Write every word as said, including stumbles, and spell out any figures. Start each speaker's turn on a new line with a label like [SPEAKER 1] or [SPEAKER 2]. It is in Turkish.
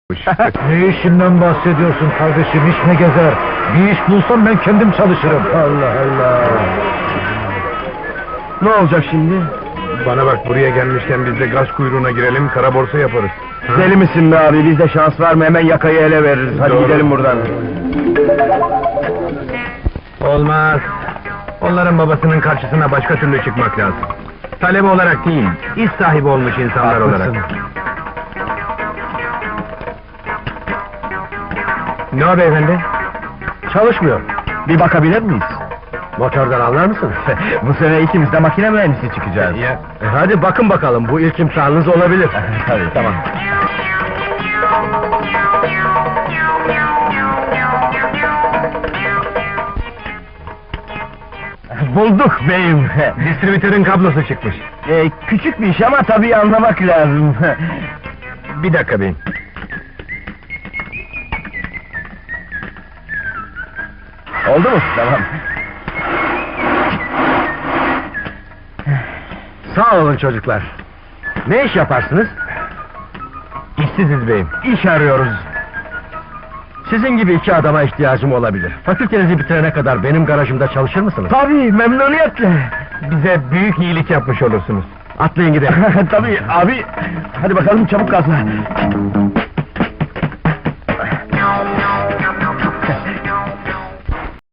[SPEAKER 1] Ne işinden bahsediyorsun kardeşim, iş ne gezer? Bir iş bulsam ben kendim çalışırım.
[SPEAKER 2] Allah Allah! Ne olacak şimdi?
[SPEAKER 3] Bana bak, buraya gelmişken biz de gaz kuyruğuna girelim, kara borsa yaparız.
[SPEAKER 2] Deli misin be abi? Bizde şans var mı? Hemen yakayı ele veririz. Hadi
[SPEAKER 3] Doğru.
[SPEAKER 2] gidelim buradan.
[SPEAKER 3] Olmaz. Onların babasının karşısına başka türlü çıkmak lazım. Talebe olarak değil, iş sahibi olmuş insanlar olarak. Ne o beyefendi?
[SPEAKER 2] Çalışmıyor. Bir bakabilir miyiz? Motordan anlar mısın? Bu sene ikimiz de makine mühendisi çıkacağız.
[SPEAKER 3] Ya.
[SPEAKER 2] E hadi bakın bakalım, bu ilk imtihanınız olabilir. Tabii, tamam. Bulduk beyim.
[SPEAKER 3] Distribütörün kablosu çıkmış.
[SPEAKER 2] Ee, küçük bir iş ama tabii anlamak lazım.
[SPEAKER 3] Bir dakika beyim.
[SPEAKER 2] Oldu mu? Tamam. Sağ olun çocuklar. Ne iş yaparsınız?
[SPEAKER 3] İşsiziz beyim.
[SPEAKER 2] İş arıyoruz. Sizin gibi iki adama ihtiyacım olabilir. Fakültenizi bitirene kadar benim garajımda çalışır mısınız? Tabii, memnuniyetle.
[SPEAKER 3] Bize büyük iyilik yapmış olursunuz.
[SPEAKER 2] Atlayın gidelim. Tabii abi. Hadi bakalım, çabuk gazla.